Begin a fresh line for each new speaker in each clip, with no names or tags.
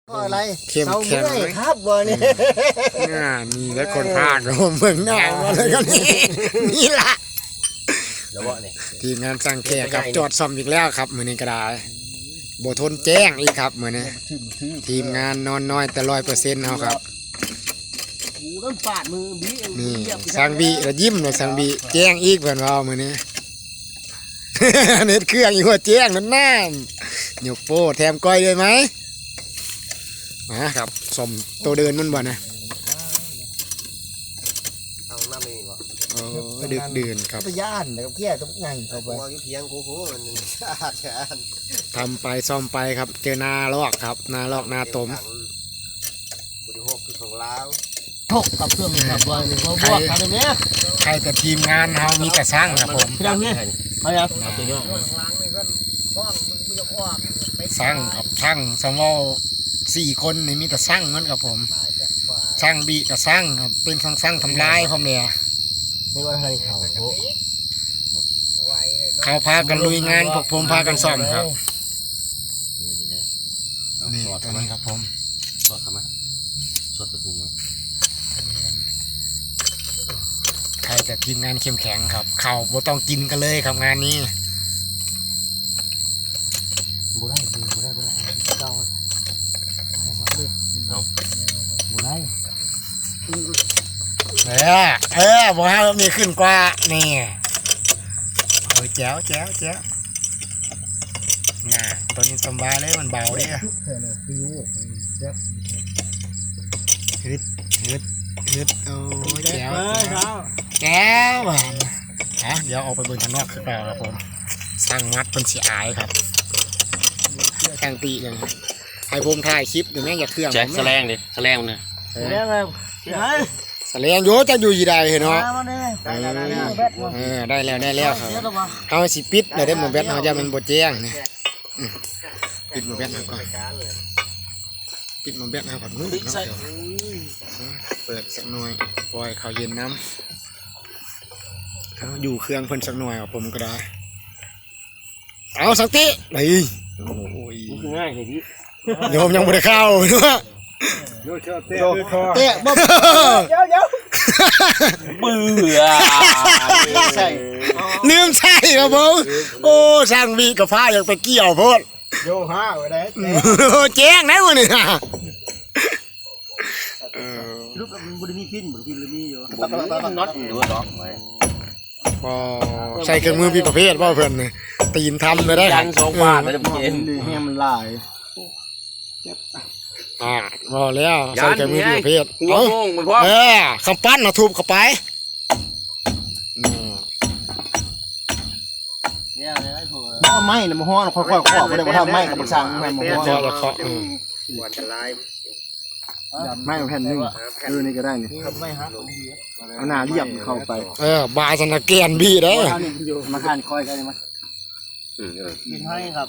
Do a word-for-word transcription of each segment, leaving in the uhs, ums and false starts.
อะไร
เข้ม
เสา
แข็
เมื่
ง
อยครับวันนี้
น่ามีและคนภาคเราเมืองหน้ามาเลยก็นี่นี่ละ
เดี๋ยวว่าเนี่ย
ทีมงานสั่งแขกครับจอดซ่อมอีกแล้วครับมือนี้ก็ได้บ่ทนแจ้งอีกครับมือนี้ทีมงานนอนน้อยแต่ร้อยเปอร์เซ็นต์เอาครับ
หูต้นปาดมือบี
นี่สังบีระยิ้มเลยสังบีแจ้งอีกเพื่อนเรามือนี้ เน็ตเครื่องอยู่ว่าแจ้งนั่นน้ำหยกโป้แถมก้อยเลยไหมมาครับสมตัวเดินมันบ่นะ
เอาหน้ามีวะ
โอ้ดึกดื่นครับ
ไปย่านแล้วก็แก่กับไงเข้าไป
วางเพียงโค้โหหนึ่งชาติชาติ
ทำไปซ่อมไปครับเจอนาลอกครับนาลอกนาตม
บริโภคคือของลาว
ถกกับเครื่องกับว่าเขาบวกกันตรงนี้
ใครแต่ทีมงานเฮามีแต่สร้างครับผม
พี่ดังเนี่ยเอาอย่างเอาตัวนี้
สร้างครับสร้างสมอสี่คนนี่มีแต่สร้างเหมือนกับผมสร้างบีกับสร้างครับเป็นสร้างสร้างทำลายผมเนี่ย
ไม่ว่าอะไรเขา
เขาพากันลุยงานพวกผมพากันซ่อมครับนี่ตัวนี้ครับผม
สดทำไมสดตะปูมา
ใครแต่ทีมงานเข้มแข็งครับเข่าบ่ต้องกินกันเลยครับงานนี้
บุได้บุได้บุได้เจ้าเอาบุได้
เออเออบอกให้มีขึ้นกว่านี่เออแจ๋วแจ๋วแจ๋วน่ะตัวนี้สบายเลยมันเบาดิ
แค่นั้นคือรู้เจ็บ
ฮึดฮึดฮึดโอ้ยแจ๋ว
ครับ
แจ๋วอ่ะฮะเดี๋ยวออกไปเบิ่งข้างนอกคือเปล่าครับผมสร้างมัดเป็นสีอายครับแข่งตีเลยครับให้ผมถ่ายคลิปเดี๋ยวแม่งอย่าเครื่อง
แจ็ค
ผม
แสลงดิแสลงเนี่ย
เรียกอะไรเฮ้ย
แสลงโยจะอยู่ยี่ใดเห็นเนาะ
มาเนี่ย
เออเออได้แล้วได้แล้วครับเอาสิปิดเลยได้หมดแบตเอาจะมันบดแจ้งเนี่ยอืมปิดหมดแบตเอาก่อนปิดหมดแบตเอาก่อนนู้นเนาะเดี๋ยวเปิดสักหน่อยปล่อยเขาเย็นน้ำเอาอยู่เครื่องเพิ่นสักหน่อยเอาผมก็ได้เอาสักทีเลยโอ้ย
ง่ายเลยพี่
โยมยังไม่ได้เข้าเนาะ
เตะบ๊อบเดี๋ยวเดี๋ยว
เบื่อ
ใช่
ลืมใช่ครับผมโอ้ช่างมีกับผ้าอยากไปเกี่ยวโพด
โยห้าไว้ได้
แจ้งนะวันนี้เออ
ลูกมันบุรีมีพินบุรีมีอยู่
น็อตหรือว่าล็อกไว้
พอใส่เครื่องมือพี่ประเภทว่าเพื่อนนี่ตีนทำเลยได้ค
ยั
รับ
นสองบาทแล้วจะเย็น
แห้มันลาย
อ่าพอแล้วใส่เครื่องมือพี่ประเภท
หัว
เอา
โป่งมันพร้อม
เออคำปั้นเอาทุบเข้าไปนี่
เนี่ยเลยผมว่าไม่นะมันห้อนค่อยๆขอบไม่ได้มาทำไม่กับมันสั่งไม่มาห้อน
พอแล้วเคาะอืม
หวานจะลาย
ไม่แผ่นหนึ่งเออนี่ก็ได้นี่ไม่ฮะเอาหน้าเรียบเข้าไป
เออบาสนาเกียนบี้ได้อ
มาขันคอยกันมั้ย
อืมเออ
กินให้ครับ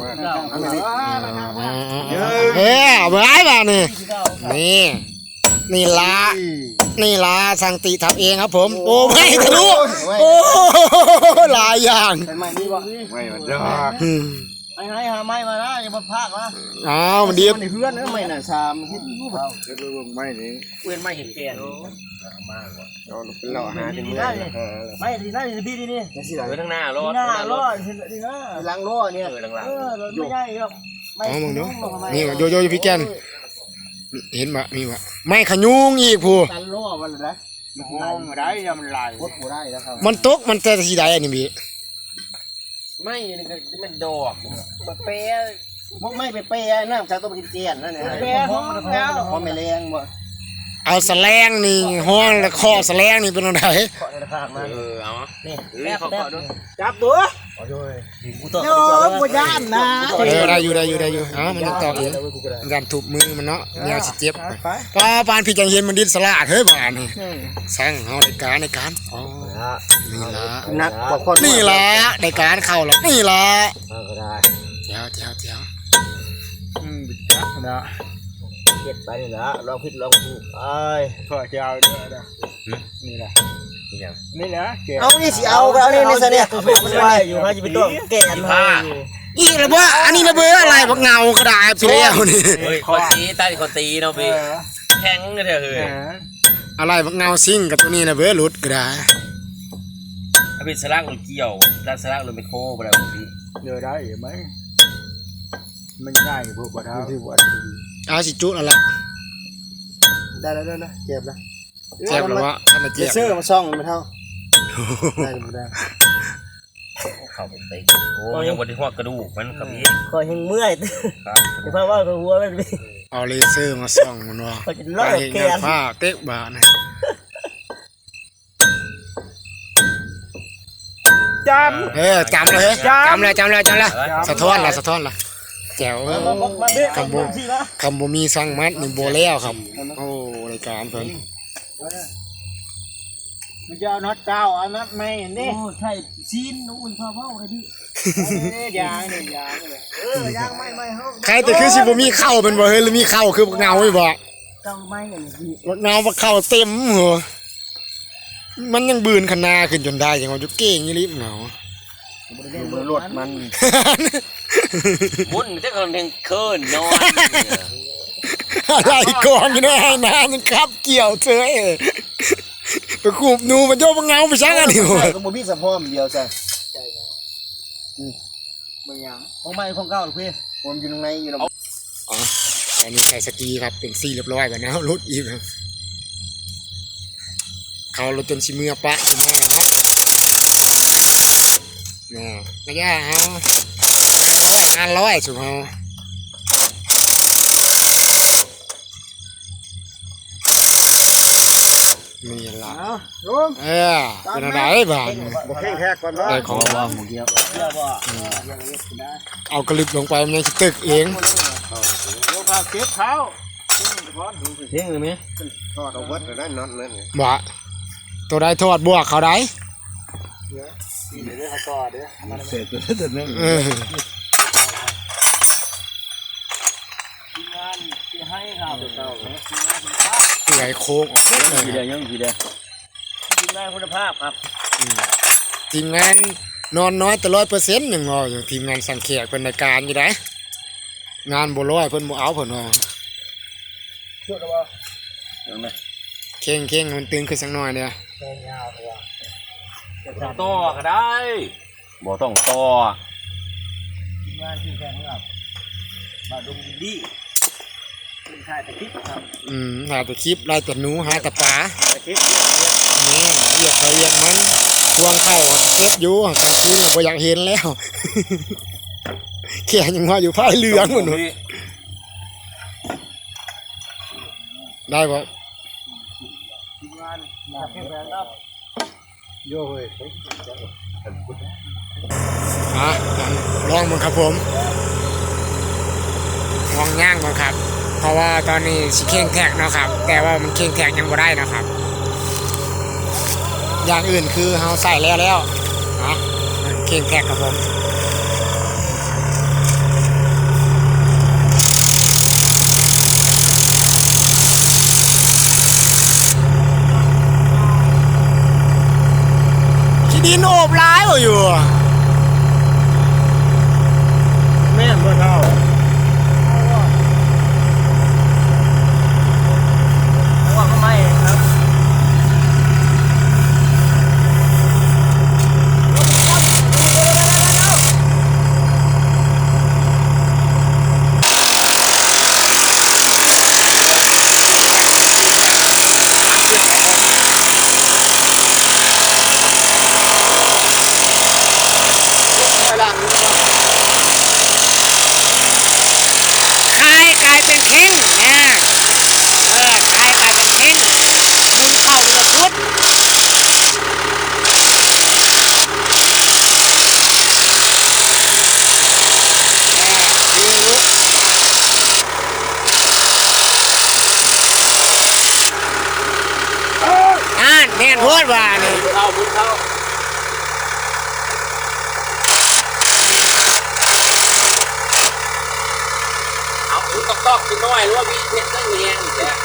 เออเบื่อไอ้บ้านี่นี่นี่ละนี่ละสังติทำเองครับผมโอ้ไม่ทะลุโอ้หลายอย่าง
ใช่ไหมนี่วะ
ไม่มันดอก
อืม
ไอ้ให้หาไม้มานะอย่ามาพากนะ
อ้าวมันดี
มันในเพื่อนนะไม่น่ะชามคิดรู้เปล่า
ไม่นี่
เพื่อนไม่เห็นแก่
เราเป็นเราหาเป็นมือ
ไม่ทีน่าทีพี่นี่นี่
ไว้ทั้งหน้ารถ
หน้ารอดทีน่าล้างล้อเนี่ย
เออหลัง
เออไม่ได้หรอก
เอามึงเนาะนี่ว่ะโยโย่พี่แกนเห็นมะมีวะไม่ขยุงอีกผู้
กันล้อมันเลยนะ
ๆห้องได้ยังมันลาย
โคตรได้แล้วครับ
มันตกมันแต่สีใดอันนี้พี่
ไม่มันดอก
เป๊ะไม่ไปเป๊ะน้ำจากตัวกินเจียนนั่นแหละเป๊ะห้องแล้วพอไม่แรงบ่
เอาแสลงนี่ห้องแล้วข้อแสลงนี่เป็นอะไร
ขอในราคามา
เออเอา
นี่
แม่เขาขอด้วย
จับตัวโย่กูย่านนะ
เออได้อยู่ได้อยู่ได้อยู่เอ้ามันยังต่ออีกมันยันถูกมือมันเนาะแนวสิเจ็บป้าปานพี่จังเห็นมันดิ้นสลาดเฮ้ยบ้านนี่แซงเอาในการในการอ๋อนี่ละ
นักกว่าคน
นี่ละในการเข้าละนี่ละ
ก็ได้
เจ้าเจ้าเจ้า
อืมจับนะเก็บไปนี่ละลองผิดลองถูกไปขอจะเอาเด้อนะนี่แหละ
นี่ยัง
นี่แหละเอานี่สิเอาเอานี่นี่ซะเนี่ยมันไว้อยู่ฮะจะไปตัวแก่นผ้า
อีระเบ้ออันนี้ระเบ้ออะไรบักเงากระดาษพี่เลี้ยวนี่
เฮ้ยคนตีตาคนตีเนาะพี่แข็งเลยเถอะเฮ้ย
อะไรบักเงาซิ่งกับตัวนี้ระเบ้อหลุดกระดาษ
ถ้าเป็นสลักหรือเกี่ยวถ้าสลักหรือไม่โค้ไปแล้วพี่
เจอได้ไหมมันง่ายพวกปลาเท้าที่วัด
เอาสิจุแล้วล่ะ
ได้แล้วได้แล้วเจ็บแล้ว
เจ็บแล้ววะท่านน่ะ
เจ
เจ็บ
เซอร์มาซ่องมันเท่าได้ไม่ได้
เข้าไปตีโอ้ยังบนที่หัวกระดูกมันกับพี่
คอยยังเมื่อย
ครับ
เพราะว่าเขาหัวมัน
เอาเลเซอร์มาส่องมันว่า
เขาจะ
ไป
ลอก
เห็น
แก
งาน
น
ผ้าเตะบานะ
จ
เออจำเลยจำเลยจำเลยจำเลยสะท้อนละสะท้อนละแจ๋วคำบูคำบูมีสั่งมัดนี่โบแล้วครับโอ้รายการเพิ่น
ำมันจะเอาน็อตเก้าเอาน็อตไม่เห็นดิ
โอ้ใช่ซีนอุ้ยพ่อเมาเลยพี่
ยางนี่ยางเลยเออยางไม่ไม่ห้อง
ใครแต่คือสิบ่มีเข้าเป็นบ่เฮ้ยหรือมีเข้าคือบักเงาไว้บ่
เก้าไม้อย่างนี้
บักเงาบักเข้าเต็มหัวมันยังบืนขนาขึ้นจนได้ยังว่าจะเก่งยี่ลิบเงา
มือรถมัน
บุญจะกำลังเคินนอน
อะไรกองอยู่ในไอ้น้ำยังครับเกี่ยวเธอเอไปขูบหนูมันโยบักเงาไปช่างอันนี้หัว
ก็บ่มีสะพอมเดียวจ้ะมึงยัง
ของไม้ของเก้าหรือพี่
ผมอยู่ตรงไหนอยู่ตรง
อ๋ออันนี้ใส่สกีครับเป็นซี่เรียบร้อยแบบนี้รถอีกครับเขารถจนชิเมือปะชิเมือเนาะนี่ไม่ยากเอางานร้อยสุดเอานี่ละ
เอาลุง
เออเป็นอะไรบ้าง
บ่แข้งแท็กก่อนเนาะ
ได้ของ
ว่าหมูเดียว
เชื่อว่า
เอากระลิบลงไปมันยังสิตึกเอง
โยพาเก็บเท้า
เที่ยงเลยไหม
ทอดเอาวัดได้น็อตนั่น
บ่ตัวได้ทอดบวกเขาได้
เดี๋ยวเขาต่อเดี๋ยวเสร็จแล้วแต่นั่น
เออ
ทีมงานที่ให้ครับ
เก้า
เปื่อยโค้งออกเลย
ทีเดียวยังทีเดียว
ทีมงานคุณภาพครับ
ทีมงานนอนน้อยแต่ร้อยเปอร์เซ็นต์หนึ่งงออยู่ทีมงานสังเกตเป็นรายการอยู่ได้งานบ่ร้อยเพิ่นบ่เอาเพิ่นว่า
ช่วยกันบ่
เข่งเข่งมันตึงขึ้นสักหน่อยเดียว
ต่อก็ได้บ่ต้องต่อ
ทีมงานที่แฟนครับบาดุงดีเป็นชายตะคิดครับ
อืมหาแต่คลิปไล่แต่หนูหาแต่ปลา
ตะคิด
นี่เหยียบไปเหยียบมันทวงเข้าเก็บอยู่กลางคืนบ่อยากเห็นแล้ว แค่ยังว่าอยู่ภายเหลืองหมดเลยได้บ่
ทีมงานจากแฟนครับ
โย่เฮ้ย
อ่ะลองมันครับผมลองย่างมันครับ เพราะว่าตอนนี้สิเข่งแท็กเนาะครับ แต่ว่ามันเข่งแท็กยังบ่ได้นะครับ อย่างอื่นคือเฮาใส่แล้วแล้วนะเข่งแท็กครับผมขี้ดินโอบร้ายบ่อยู่
แม่นบ่เท่า
เพราะว่าเขาไม่ครับ
คายกลายเป็นเข่งนะเออคายกลายเป็นเข่งหมุนเข้าเป็นระพุทธอ่านแม่นโพดว่านี่
เข้าบุญเข้าเอาบุญตอกตอกกินน้อยหรือว่ามีเพชรตั้งเงี้ยอีกแล้ว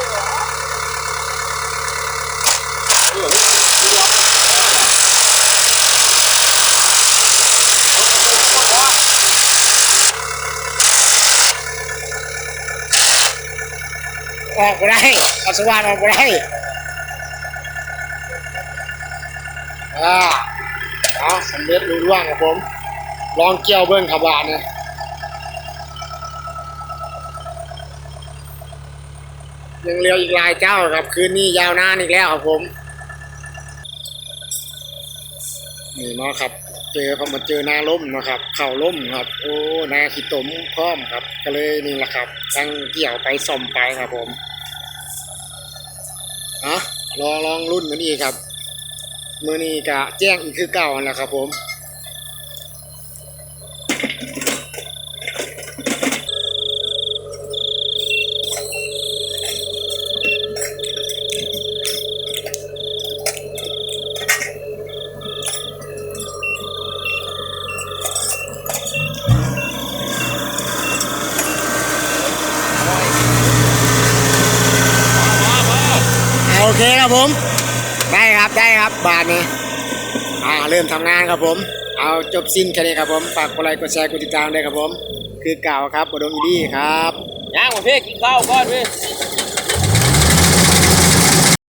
เออ
ออกบ่ได้เอาสว่านออกบ่ได้อ่าเอาสำเร็จรุ่ร่วงครับผมลองเกี่ยวเบิ้งขบานเนี่ยยังเหลืออีกหลายเจ้าครับคืนนี้ยาวนานอีกแล้วครับผมนี่เนาะครับเจอเขามาเจอนาล้มนะครับเข่าล้มครับโอ้นาขี้ตมพร้อมครับก็เลยนี่แหละครับทั้งเกี่ยวไปส่อมไปครับผมอ่ะลองลองรุ่นกันอีกครับมือนี้กะแจ้งอีกคือเก่าแล้วครับผมโอเคครับผมได้ครับได้ครับบาทนี้อ่าเริ่มทำงานครับผมเอาจบสิ้นแค่นี้ครับผมฝากกดไลค์กดแชร์กดติดตามด้วยครับผมคือเก่าครับบดงอีดี้ครับ
ย่างมาเพ่กินข้าวก่อนพี่